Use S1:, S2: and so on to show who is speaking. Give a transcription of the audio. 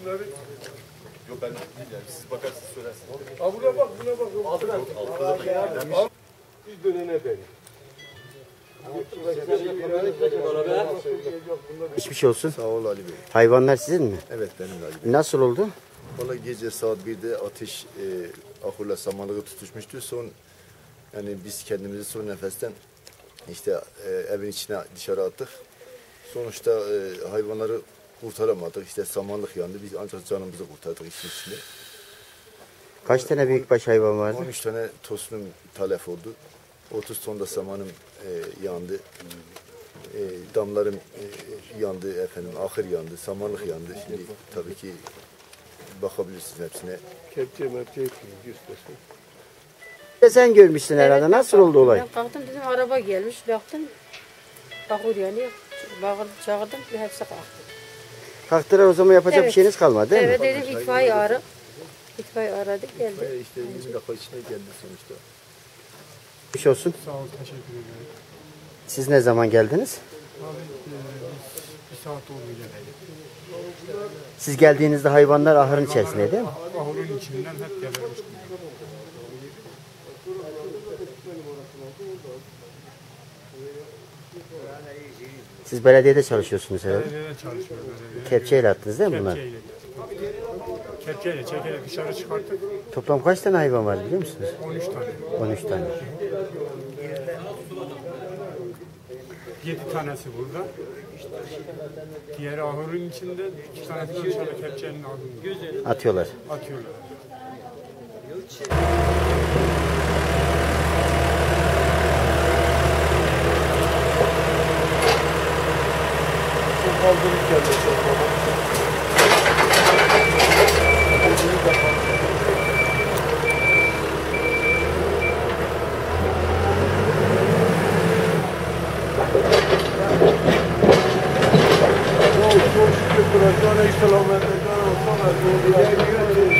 S1: Şunları.
S2: Yok ben değil yani. Siz bakarsınız söylersiniz.
S1: Buna bak, buna bak.
S2: Altta da
S1: Biz dönene beri.
S3: Geçmiş olsun.
S4: Sağ ol Ali Bey.
S3: Hayvanlar sizin mi?
S4: Evet benim Ali Bey.
S3: Nasıl oldu?
S4: Vallahi gece saat 1'de ateş ahurla samanlığı tutuşmuştu. Yani biz kendimizi son nefesten işte evin içine dışarı attık. Sonuçta hayvanları kurtaramadık. İşte samanlık yandı. Biz ancak canımızı kurtardık işin içinde.
S3: Kaç tane büyükbaş hayvan vardı?
S4: 13 tane tosunum talef oldu. 30 ton da samanım yandı. Damlarım yandı efendim, ahır yandı, samanlık yandı. Şimdi tabii ki bakabilirsiniz hepsine.
S1: Kepçe mepçe göstersin.
S3: Sen görmüşsün herhalde. Nasıl oldu olay?
S5: Ben kalktım dedim araba gelmiş baktım. Bakır yani. Bağırdım çağırdım ve hepsi kalktı.
S3: Kalktılar o zaman yapacak bir
S5: Evet.
S3: şeyiniz kalmadı değil mi?
S5: Evet dedim itfaiye ara. İtfaiye aradık geldi.
S4: İşte 20 dakika içine geldi sonuçta.
S3: Geçmiş olsun.
S6: Sağ ol, teşekkür ederim.
S3: Siz ne zaman geldiniz?
S6: Abi biz bir saat oldu geleli.
S3: Siz geldiğinizde hayvanlar ahırın içerisinde değil mi?
S6: Ahurun içinden hep gebermiştim.
S3: Siz belediyede çalışıyorsunuz herhalde.
S6: Belediyede çalışıyoruz.
S3: Kepçeyle attınız değil mi bunlar?
S6: Kepçeyle çekerek dışarı çıkarttık.
S3: Toplam kaç tane hayvan var biliyor musunuz?
S6: 13 tane.
S3: 13 tane.
S6: 7 tanesi burada. Diğeri ahurun içinde, 2 tanesi de dışarı kepçenin ardında.
S3: Atıyorlar.
S6: Atıyorlar.
S1: Kaldırıp geldi. Çok şükür. Kur'an-ı Kerim'e selamet eder.